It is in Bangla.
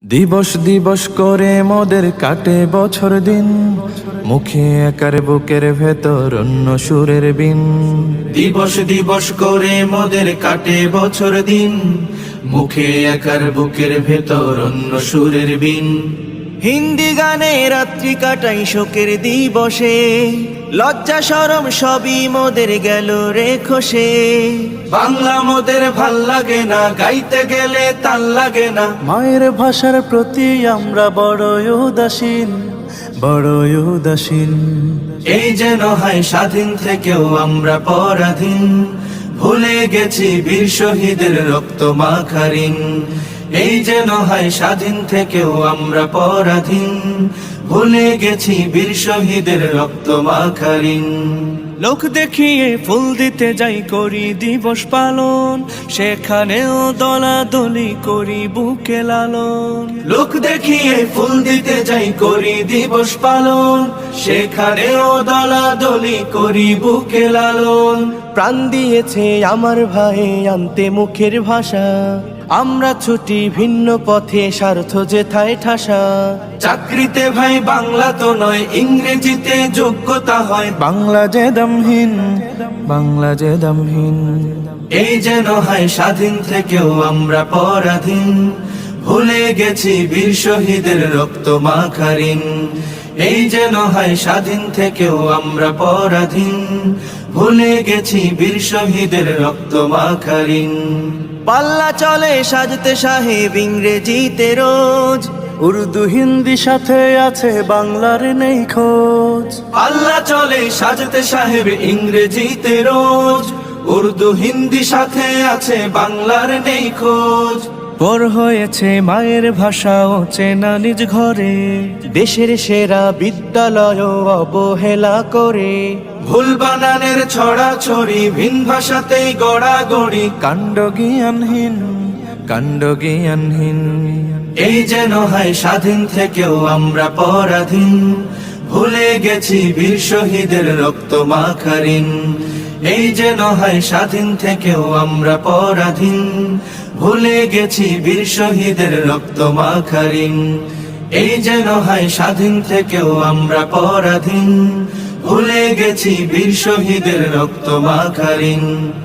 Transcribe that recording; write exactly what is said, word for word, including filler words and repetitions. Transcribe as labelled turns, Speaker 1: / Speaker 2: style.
Speaker 1: দিবস দিবস করে মোদের কাটে বছর দিন, মুখে একার বুকের ভেতর অন্য সুরের বিন।
Speaker 2: দিবস দিবস করে মোদের কাটে বছর দিন, মুখে একার বুকের ভেতর অন্য সুরের বিন।
Speaker 3: হিন্দি গানে রাত্রি কাটাই শোকের দিবসে, লজ্জা শরম সবই মোদের গেল রে খসে।
Speaker 2: বাংলা মোদের ভাল লাগে না, গাইতে গেলে তাল লাগে না।
Speaker 1: মায়ের ভাষার প্রতি আমরা বড়ই উদাসীন, বড়ই উদাসীন।
Speaker 2: এই যেন হয় স্বাধীন থেকেও আমরা পরাধীন, ভুলে গেছি বীর শহীদের রক্ত মাখা ঋণ। এই যেন হয় স্বাধীন থেকেও আমরা পরাধীন, ভুলে গেছি বীর শহীদের রক্ত মাখা ঋণ।
Speaker 3: লোক দেখিয়ে ফুল দিতে যাই করি দিবস পালন, সেখানেও দলাদলি করি বুকে লালন।
Speaker 2: লোক দেখিয়ে ফুল দিতে যাই করি দিবস পালন, সেখানেও দলাদলি করি বুকে লালন।
Speaker 3: প্রাণ দিয়েছে আমার ভাই আনতে মুখের ভাষা, আমরা ছুটি ভিন্ন পথে স্বার্থ যেথায় ঠাসা।
Speaker 2: চাকরিতে ভাই বাংলা তো নয়, ইংরেজিতে যোগ্যতা হয়।
Speaker 1: বাংলা যে দামহীন, বাংলা যে দামহীন।
Speaker 2: এই যেন হয় স্বাধীন থেকেও আমরা পরাধীন, ভুলে গেছি বীর শহীদের রক্ত মাখা ঋণ। এই যেন হয় স্বাধীন থেকেও আমরা পরাধীন, ভুলে গেছি বীর শহীদের রক্ত মাখা ঋণ।
Speaker 3: পাল্লা চলে সাজতে সাহেব ইংরেজিতে রোজ,
Speaker 1: উর্দু হিন্দি সাথে আছে বাংলার নেই খোঁজ।
Speaker 2: আল্লাহ চলে সাজতে সাহেব ইংরেজিতে রোজ, উর্দু হিন্দি সাথে আছে বাংলার নেই খোঁজ।
Speaker 3: পর হয়েছে মায়ের ভাষাও চেনা নিজ ঘরে, দেশের সেরা বিদ্যালয় অবহেলা করে।
Speaker 2: ভুল বানানের ছড়াছড়ি, ভিন ভাষাতেই গড়াগড়ি।
Speaker 1: কাণ্ড জ্ঞানহীন, কাণ্ড জ্ঞানহীন।
Speaker 2: এই যেন হয় স্বাধীন থেকেও আমরা পরাধীন, ভুলে গেছি বীর শহীদের রক্ত মাখা ঋণ। এই যেন হয় স্বাধীন থেকেও আমরা পরাধীন, ভুলে গেছি বীর শহীদের রক্ত মাখা ঋণ। এই যেন হয় স্বাধীন থেকেও আমরা পরাধীন, ভুলে গেছি বীর শহীদের রক্ত মাখা ঋণ।